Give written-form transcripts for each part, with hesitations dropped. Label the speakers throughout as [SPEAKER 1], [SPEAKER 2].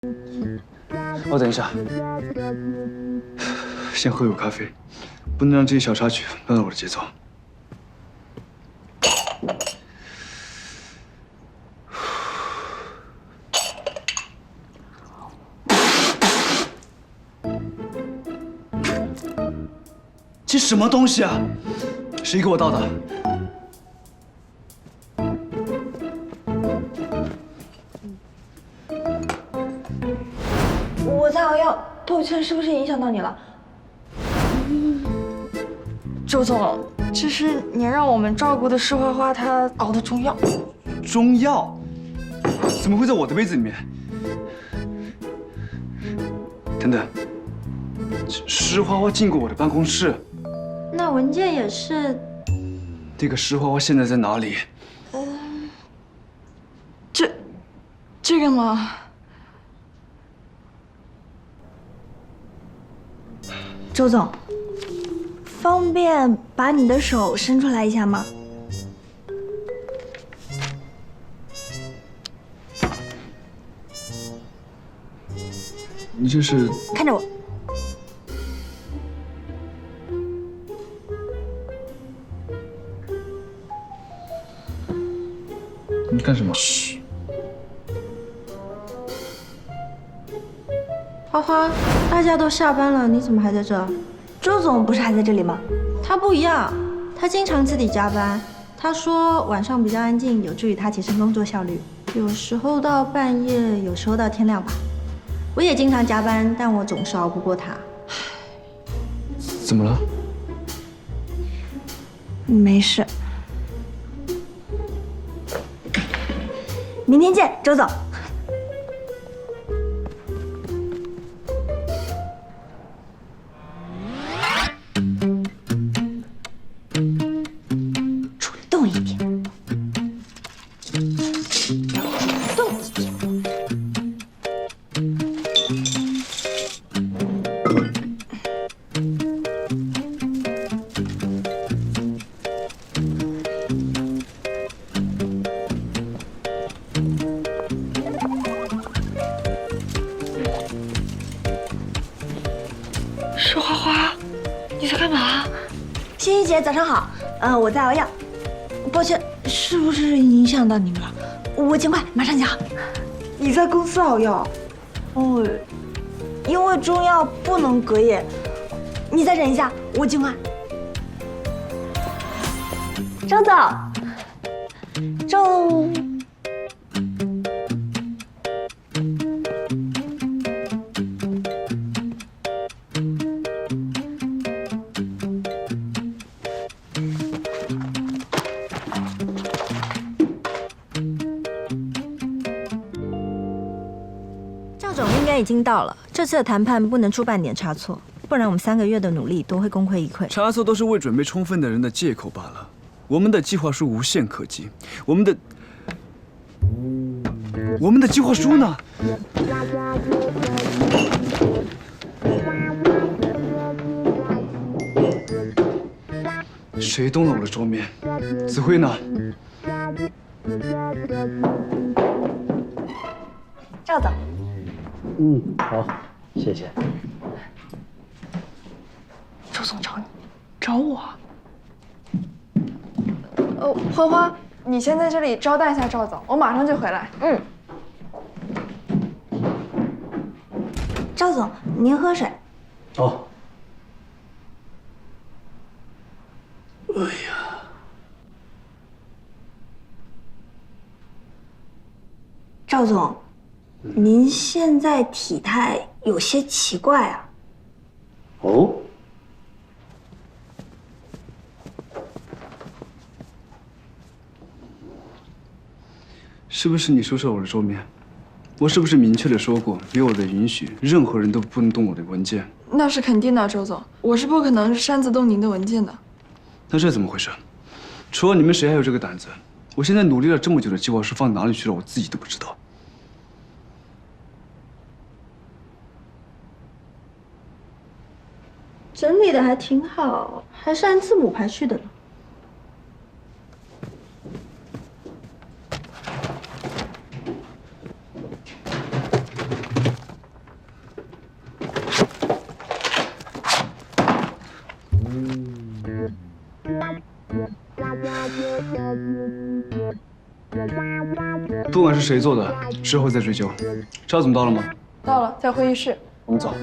[SPEAKER 1] 哦，等一下，先喝口咖啡，不能让这些小插曲乱了我的节奏。这什么东西啊？谁给我倒的？
[SPEAKER 2] 我在熬药，抱歉，是不是影响到你了？周总，这是您让我们照顾的石花花她熬的中药。
[SPEAKER 1] 中药？怎么会在我的杯子里面？等等，石花花进过我的办公室。
[SPEAKER 2] 那文件也是。
[SPEAKER 1] 那个石花花现在在哪里？
[SPEAKER 2] 这个吗？ 周总，方便把你的手伸出来一下吗？
[SPEAKER 1] 你这是？
[SPEAKER 2] 看着我。
[SPEAKER 1] 你干什么？
[SPEAKER 2] 嘘。花花，大家都下班了，你怎么还在这？周总不是还在这里吗？他不一样，他经常自己加班。他说晚上比较安静，有助于他提升工作效率。有时候到半夜，有时候到天亮吧。我也经常加班，但我总是熬不过他。
[SPEAKER 1] 怎么了？
[SPEAKER 2] 没事。明天见，周总。 动一点，动一点。石花花，你在干嘛？欣欣姐，早上好。我在熬药。 抱歉，是不是影响到你们了？我尽快，马上就好。你在公司熬药？哦，因为中药不能隔夜。你再忍一下，我尽快。周总，周。赵总应该已经到了，这次的谈判不能出半点差错，不然我们3个月的努力都会功亏一篑。
[SPEAKER 1] 差错都是未准备充分的人的借口罢了。我们的计划书无懈可击，我们的计划书呢？谁动了我的桌面？子辉呢？
[SPEAKER 2] 赵总。
[SPEAKER 3] 好，谢谢。
[SPEAKER 2] 周总找你，找我。
[SPEAKER 4] 花花，你先在这里招待一下赵总，我马上就回来。
[SPEAKER 2] 嗯。赵总，您喝水。
[SPEAKER 3] 哦。哎呀，
[SPEAKER 2] 赵总。 您现在体态有些奇怪啊。
[SPEAKER 3] 哦，
[SPEAKER 1] 是不是你收拾了我的桌面？我是不是明确的说过，没有我的允许，任何人都不能动我的文件？
[SPEAKER 4] 那是肯定的，周总，我是不可能擅自动您的文件的。
[SPEAKER 1] 那这怎么回事？除了你们，谁还有这个胆子？我现在努力了这么久的计划书放哪里去了，我自己都不知道。
[SPEAKER 2] 整理的还挺好，还是按字母排序的呢。
[SPEAKER 1] 不管是谁做的，事后再追究。赵总到了吗？
[SPEAKER 4] 到了，在会议室。
[SPEAKER 1] 我们走。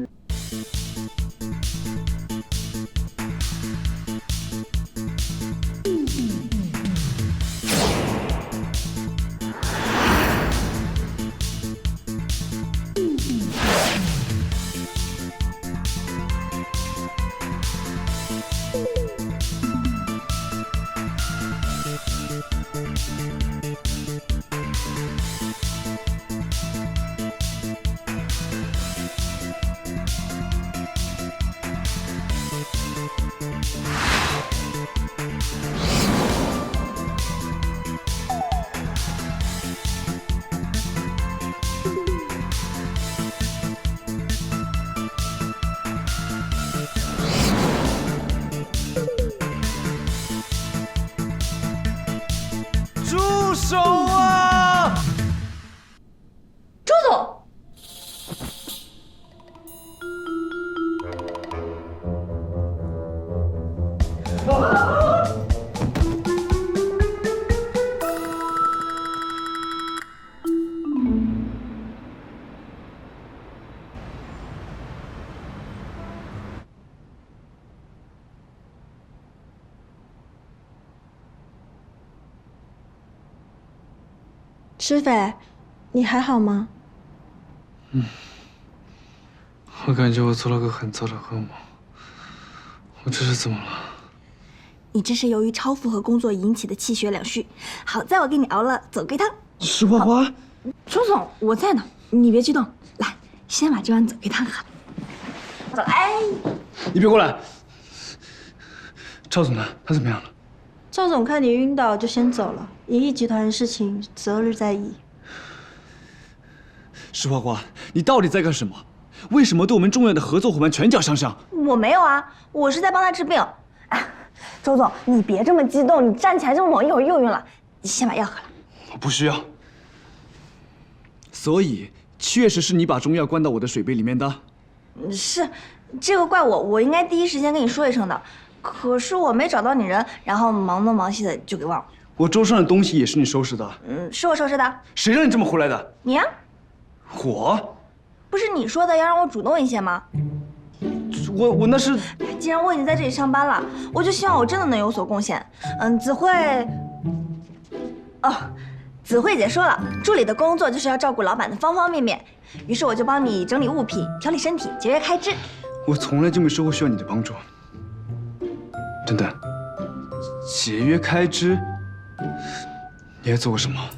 [SPEAKER 5] 住手啊！
[SPEAKER 2] 周总，
[SPEAKER 6] 施斐，你还好吗？
[SPEAKER 1] 我感觉我做了个很糟的噩梦。我这是怎么了？
[SPEAKER 2] 你这是由于超负荷工作引起的气血两虚。好在我给你熬了走龟汤。
[SPEAKER 1] 石花花，
[SPEAKER 2] 周总，我在呢，你别激动，来，先把这碗走龟汤喝了。走，哎，
[SPEAKER 1] 你别过来。赵总呢？他怎么样了？
[SPEAKER 6] 赵总看你晕倒就先走了，银翼集团的事情择日再议。
[SPEAKER 5] 石花花，你到底在干什么？为什么对我们重要的合作伙伴拳脚相向？
[SPEAKER 2] 我没有啊，我是在帮他治病。哎，周总，你别这么激动，你站起来这么猛，一会儿又晕了。你先把药喝了。
[SPEAKER 5] 我不需要。所以，确实是你把中药灌到我的水杯里面的。
[SPEAKER 2] 是，这个怪我，我应该第一时间跟你说一声的。可是我没找到你人，然后忙东忙西的就给忘了。
[SPEAKER 5] 我桌上的东西也是你收拾的。
[SPEAKER 2] 是我收拾的。
[SPEAKER 5] 谁让你这么回来的？
[SPEAKER 2] 你呀、
[SPEAKER 5] 我？
[SPEAKER 2] 不是你说的要让我主动一些吗？
[SPEAKER 5] 我那是……
[SPEAKER 2] 既然我已经在这里上班了，我就希望我真的能有所贡献。子慧，哦，子慧姐说了，助理的工作就是要照顾老板的方方面面，于是我就帮你整理物品、调理身体、节约开支。
[SPEAKER 1] 我从来就没说过需要你的帮助。等等，节约开支，你还做过什么？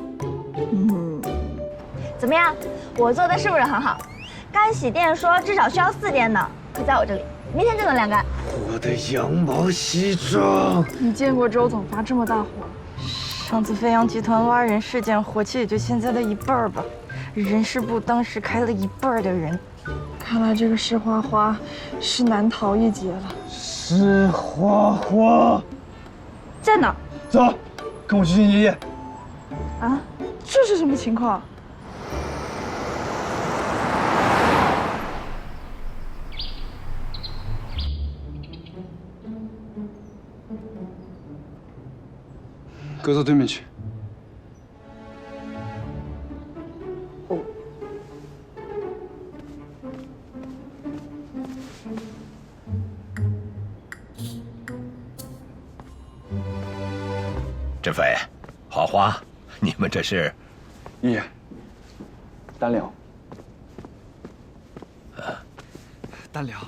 [SPEAKER 2] 怎么样？我做的是不是很好？干洗店说至少需要4天呢，可在我这里，明天就能晾干。
[SPEAKER 5] 我的羊毛西装。
[SPEAKER 4] 你见过周总发这么大火？
[SPEAKER 7] 上次飞扬集团挖人事件，火气也就现在的1半吧。人事部当时开了1半的人。
[SPEAKER 4] 看来这个石花花是难逃一劫了。
[SPEAKER 5] 石花花，
[SPEAKER 2] 在哪？
[SPEAKER 5] 走，跟我去见爷爷。
[SPEAKER 4] 啊，这是什么情况？
[SPEAKER 1] 搁到对面去。
[SPEAKER 8] 志飞，花花，你们这是？
[SPEAKER 1] 爷爷，单聊。
[SPEAKER 5] 单聊。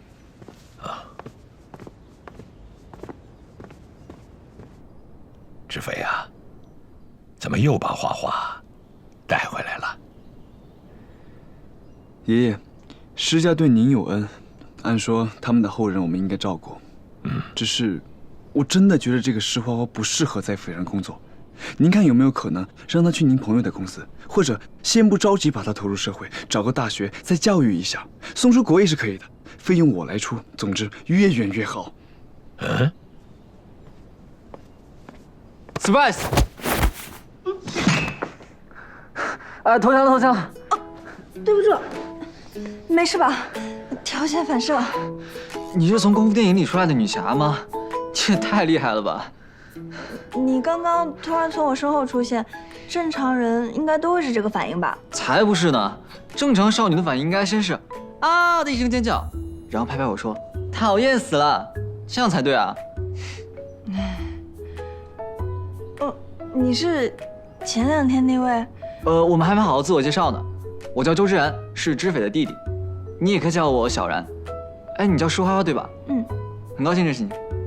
[SPEAKER 8] 志飞啊，怎么又把花花带回来了？
[SPEAKER 1] 爷爷，施家对您有恩，按说他们的后人我们应该照顾。只是我真的觉得这个石花花不适合在斐然工作。您看有没有可能让他去您朋友的公司，或者先不着急把他投入社会，找个大学再教育一下，送出国也是可以的，费用我来出。总之越远越好。
[SPEAKER 5] Spice， 投降了，投降了。
[SPEAKER 2] 对不住，没事吧？条件反射。
[SPEAKER 5] 你是从功夫电影里出来的女侠吗？这也太厉害了吧！
[SPEAKER 2] 你刚刚突然从我身后出现，正常人应该都会是这个反应吧？
[SPEAKER 9] 才不是呢！正常少女的反应应该先是啊的一声尖叫，然后拍拍我说讨厌死了，这样才对啊。
[SPEAKER 2] 你是前2天那位？
[SPEAKER 9] 我们还没好好自我介绍呢。我叫周之然，是知匪的弟弟，你也可以叫我小然。哎，你叫施花花对吧？
[SPEAKER 2] 嗯，
[SPEAKER 9] 很高兴认识你。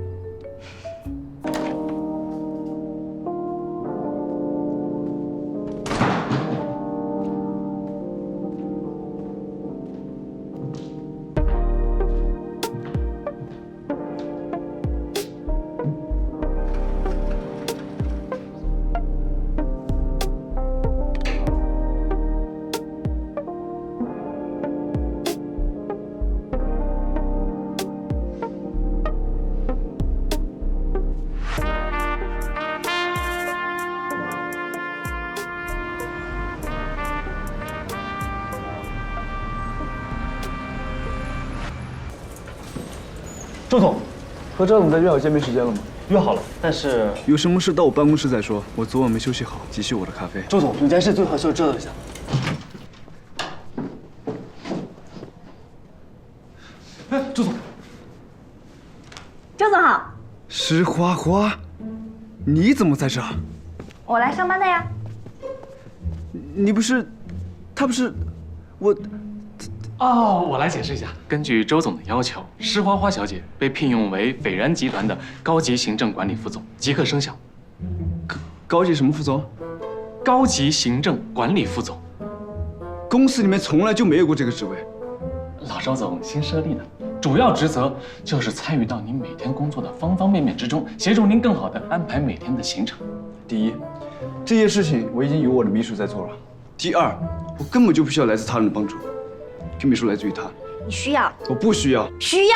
[SPEAKER 1] 周总，和赵总在约好见面时间了吗？
[SPEAKER 3] 约好了，但是
[SPEAKER 1] 有什么事到我办公室再说。我昨晚没休息好，急需我的咖啡。
[SPEAKER 3] 周总，有件事最好需要知道一下。哎，周总，
[SPEAKER 2] 周总好，
[SPEAKER 1] 施花花，你怎么在这儿？
[SPEAKER 2] 我来上班的呀。
[SPEAKER 1] 你不是，他不是，我。
[SPEAKER 10] 哦，我来解释一下。根据周总的要求，施花花小姐被聘用为斐然集团的高级行政管理副总，即刻生效。
[SPEAKER 1] 高级什么副总？
[SPEAKER 10] 高级行政管理副总。
[SPEAKER 1] 公司里面从来就没有过这个职位。
[SPEAKER 10] 老周总新设立的，主要职责就是参与到您每天工作的方方面面之中，协助您更好地安排每天的行程。
[SPEAKER 1] 第一，这些事情我已经有我的秘书在做了。第二，我根本就不需要来自他人的帮助。这秘书来自于他，
[SPEAKER 2] 你需要？
[SPEAKER 1] 我不需要。
[SPEAKER 2] 需要。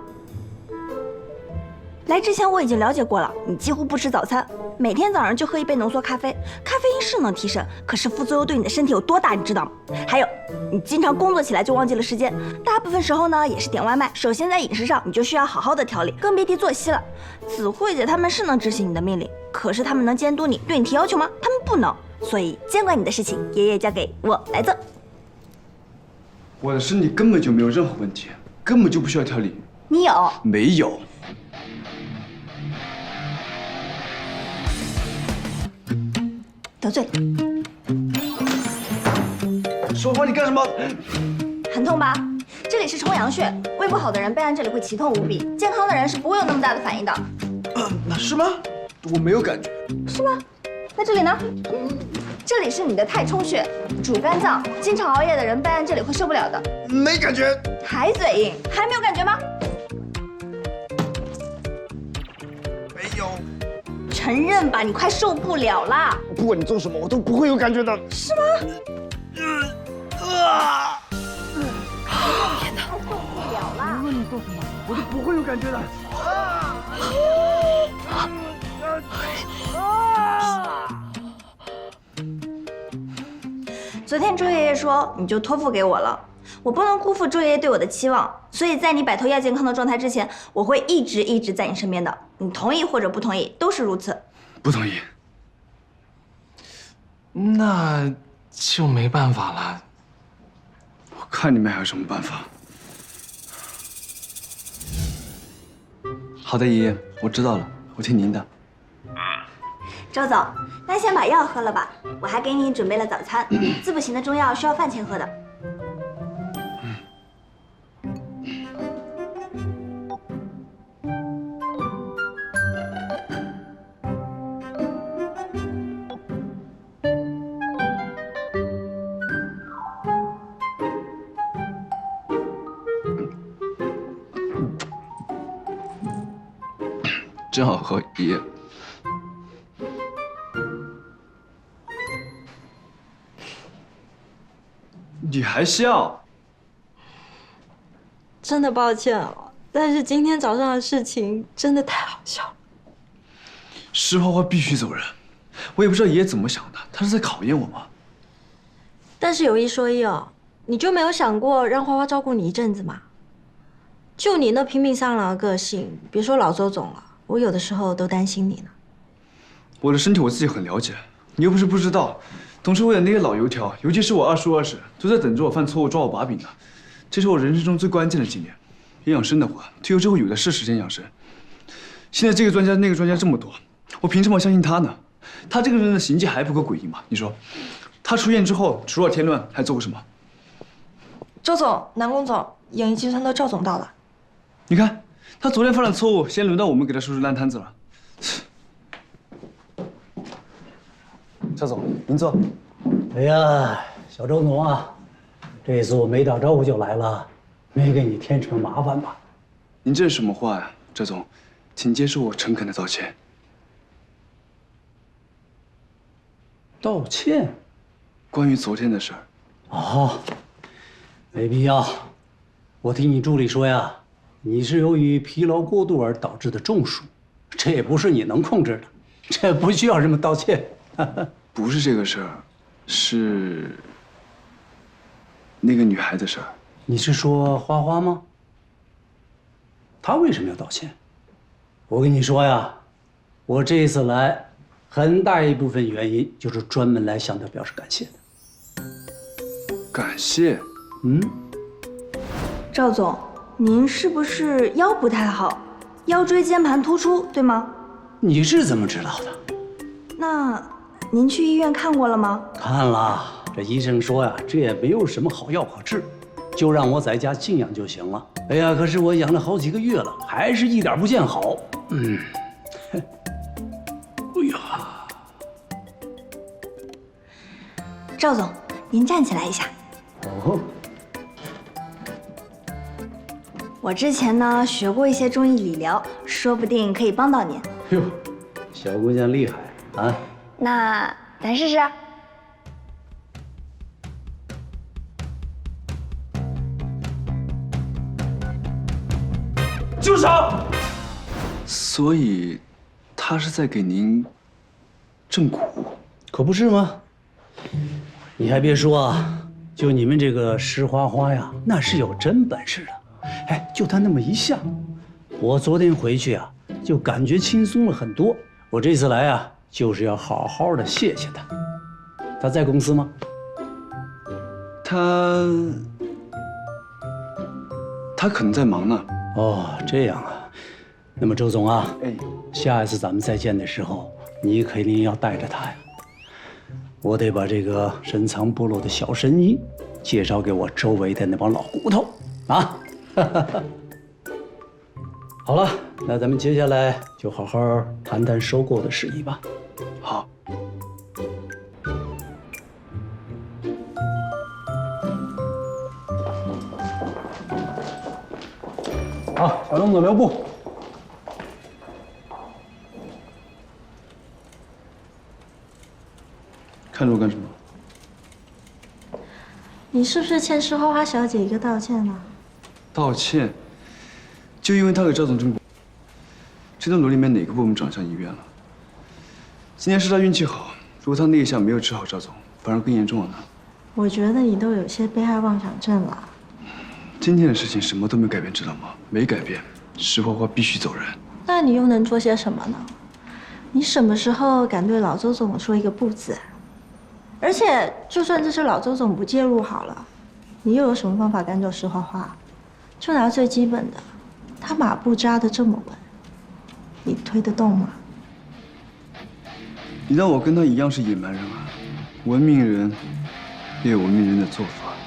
[SPEAKER 2] 来之前我已经了解过了，你几乎不吃早餐，每天早上就喝一杯浓缩咖啡。咖啡因是能提神，可是副作用对你的身体有多大，你知道吗？还有，你经常工作起来就忘记了时间，大部分时候呢也是点外卖。首先在饮食上你就需要好好的调理，更别提作息了。子慧姐他们是能执行你的命令，可是他们能监督你，对你提要求吗？他们不能。所以监管你的事情，爷爷交给我来做。
[SPEAKER 1] 我的身体根本就没有任何问题，根本就不需要调理。
[SPEAKER 2] 你有？
[SPEAKER 1] 没有。
[SPEAKER 2] 得罪了。
[SPEAKER 1] 说话你干什么？
[SPEAKER 2] 很痛吧？这里是冲阳穴，胃不好的人备案这里会奇痛无比，健康的人是不会有那么大的反应的。
[SPEAKER 1] 那是吗？我没有感觉。
[SPEAKER 2] 是吗？那这里呢？这里是你的太冲穴，主肝脏，经常熬夜的人备案这里会受不了的。
[SPEAKER 1] 没感觉。
[SPEAKER 2] 还嘴硬，还没有感觉吗？
[SPEAKER 1] 没有。
[SPEAKER 2] 承认吧，你快受不了啦！
[SPEAKER 1] 不管你做什么，我都不会有感觉的。
[SPEAKER 2] 是吗？天哪！受不了啦！
[SPEAKER 1] 无论你做什么，我都不会有感觉的。
[SPEAKER 2] 昨天周爷爷说你就托付给我了，我不能辜负周爷爷对我的期望，所以在你摆脱亚健康的状态之前，我会一直在你身边的。你同意或者不同意都是如此。
[SPEAKER 1] 不同意。
[SPEAKER 10] 那就没办法了。
[SPEAKER 1] 我看你们还有什么办法？好的，爷爷，我知道了，我听您的。
[SPEAKER 2] 周总，那先把药喝了吧，我还给你准备了早餐。滋补型的中药需要饭前喝的。
[SPEAKER 1] 真好喝，爷爷。你还笑？
[SPEAKER 6] 真的抱歉哦，但是今天早上的事情真的太好笑了。
[SPEAKER 1] 施花花必须走人，我也不知道爷爷怎么想的，他是在考验我吗？
[SPEAKER 6] 但是有一说一哦，你就没有想过让花花照顾你一阵子吗？就你那拼命三郎的个性，别说老周总了，我有的时候都担心你呢。
[SPEAKER 1] 我的身体我自己很了解，你又不是不知道。董事会的那些老油条，尤其是我二叔二婶，都在等着我犯错误抓我把柄呢。这是我人生中最关键的几年。养生的话，退休之后有的是时间养生。现在这个专家那个专家这么多，我凭什么相信他呢？他这个人的行迹还不够诡异吗？你说，他出院之后除了添乱还做过什么？
[SPEAKER 2] 周总、南宫总、影艺集团的赵总到了。
[SPEAKER 1] 你看，他昨天犯了错误，先轮到我们给他收拾烂摊子了。赵总，您坐。
[SPEAKER 11] 哎呀，小周总啊，这次我没打招呼就来了，没给你添什么麻烦吧？
[SPEAKER 1] 您这是什么话呀，赵总？请接受我诚恳的道歉。
[SPEAKER 11] 道歉？
[SPEAKER 1] 关于昨天的事儿。
[SPEAKER 11] 哦，没必要。我听你助理说呀，你是由于疲劳过度而导致的中暑，这也不是你能控制的，这不需要什么道歉。
[SPEAKER 1] 不是这个事儿，是那个女孩的事儿。
[SPEAKER 11] 你是说花花吗？她为什么要道歉？我跟你说呀，我这一次来，很大一部分原因就是专门来向她表示感谢的。
[SPEAKER 1] 感谢？
[SPEAKER 11] 嗯。
[SPEAKER 2] 赵总，您是不是腰不太好，腰椎间盘突出，对吗？
[SPEAKER 11] 你是怎么知道的？
[SPEAKER 2] 那您去医院看过了吗？
[SPEAKER 11] 看了，这医生说呀，这也没有什么好药可治，就让我在家静养就行了。哎呀，可是我养了好几个月了，还是一点不见好。哎呀，
[SPEAKER 2] 赵总，您站起来一下。
[SPEAKER 11] 哦。
[SPEAKER 2] 我之前呢学过一些中医理疗，说不定可以帮到您。
[SPEAKER 11] 哟，小姑娘厉害啊！
[SPEAKER 2] 那咱试试。
[SPEAKER 1] 住手！所以，他是在给您正骨，
[SPEAKER 11] 可不是吗？你还别说啊，就你们这个石花花呀，那是有真本事的。哎，就他那么一下，我昨天回去啊，就感觉轻松了很多。我这次来啊，就是要好好的谢谢他。他在公司吗？
[SPEAKER 1] 他可能在忙呢。
[SPEAKER 11] 哦，这样啊。那么周总啊，
[SPEAKER 1] 哎，
[SPEAKER 11] 下一次咱们再见的时候，你肯定要带着他呀。我得把这个深藏不露的小神医介绍给我周围的那帮老骨头啊。好了，那咱们接下来就好好谈谈收购的事宜吧。
[SPEAKER 1] 好。
[SPEAKER 11] 好，小龙总留步。
[SPEAKER 1] 看着我干什么？
[SPEAKER 6] 你是不是欠石花花小姐一个道歉呢？
[SPEAKER 1] 道歉？就因为他给赵总正骨，这栋楼里面哪个部门长上医院了？今天是他运气好，如果他那一下没有治好赵总，反而更严重了呢。
[SPEAKER 6] 我觉得你都有些被害妄想症了。
[SPEAKER 1] 今天的事情什么都没改变，知道吗？没改变，石花花必须走人。
[SPEAKER 6] 那你又能做些什么呢？你什么时候敢对老周总说一个不字？而且，就算这次老周总不介入好了，你又有什么方法赶走石花花？就拿最基本的，他马步扎得这么稳，你推得动吗？
[SPEAKER 1] 你让我跟他一样是野蛮人啊！文明人也有文明人的做法。